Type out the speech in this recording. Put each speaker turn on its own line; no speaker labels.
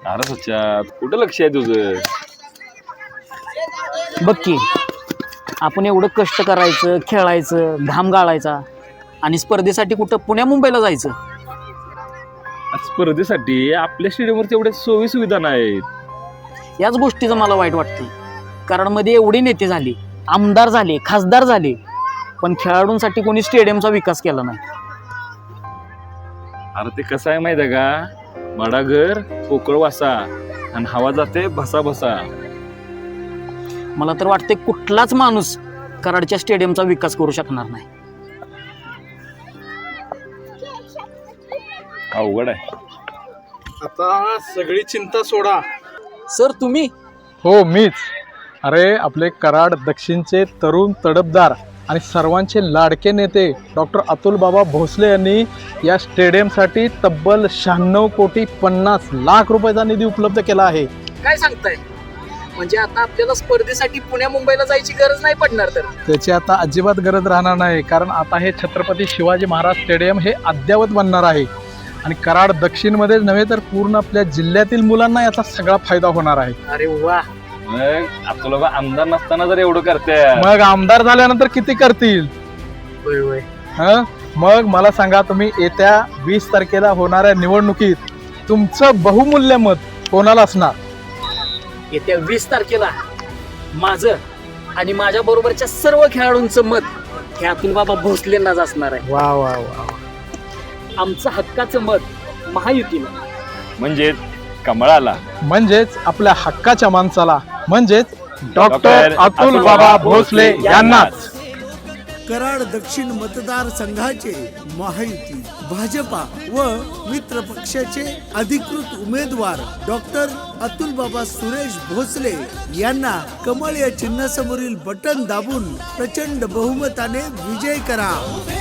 अरे सच्चा कुठं लक्ष आहे तुझं?
बघ की आपण एवढं कष्ट करायचं, खेळायचं, घाम गाळायचा आणि स्पर्धेसाठी कुठं पुण्या मुंबईला जायचं.
स्पर्धेसाठी आपल्या स्टेडियमवर तेवढ्या सोयी सुविधा नाहीत.
याच गोष्टीचं मला वाईट वाटतं. कारण मध्ये एवढे नेते झाले, आमदार झाले, खासदार झाले, पण खेळाडूंसाठी कोणी स्टेडियमचा विकास केला नाही.
अरे ते कसं आहे माहिती आहे का? मडागर पोकळ वासा आणि हवा जाते भसा भसा.
मला तर वाटते कुठलाच माणूस कराडच्या स्टेडियमचा विकास करू शकणार नाही.
अवघड आहे.
आता सगळी चिंता सोडा.
सर तुम्ही?
हो मीच. अरे आपले कराड दक्षिणचे तरुण तडफदार आणि सर्वांचे लाडके नेते डॉक्टर अतुल बाबा भोसले यांनी या स्टेडियमसाठी तब्बल 96,50,00,000 रुपयाचा निधी उपलब्ध केला आहे.
काय सांगताय? म्हणजे आता आपल्याला स्पर्धेसाठी पुण्या मुंबईला जायची गरज नाही पडणार. तर
त्याची आता अजिबात गरज राहणार नाही, कारण आता हे छत्रपती शिवाजी महाराज स्टेडियम हे अद्ययावत बनणार आहे आणि कराड दक्षिणमध्येच नव्हे तर पूर्ण आपल्या जिल्ह्यातील मुलांना याचा सगळा फायदा होणार आहे.
अरे वा.
मग आपलं लोक आमदार नसताना जर एवढं करते,
मग आमदार झाल्यानंतर किती करतील? मग मला सांगा, तुम्ही येत्या 20 तारखेला होणाऱ्या निवडणुकीत तुमचं बहुमूल्य मत कोणाला असणार?
येत्या 20 तारखेला माझं आणि माझ्या बरोबरच्या सर्व खेळाडूंचं मत हे अतुल बाबा भोसलेंनाच असणार आहे.
वा वा वा.
आमचं हक्काचं मत महायुतीला,
म्हणजे कमळाला,
म्हणजेच आपल्या हक्काच्या माणसाला, म्हणजेच डॉक्टर अतुल बाबा भोसले यांनाच.
कराड दक्षिण मतदारसंघाचे महायुती, भाजपा व मित्र पक्षाचे अधिकृत उमेदवार डॉक्टर अतुल बाबा सुरेश भोसले यांना कमळ या चिन्हासमोरील बटन दाबून प्रचंड बहुमताने विजय करा.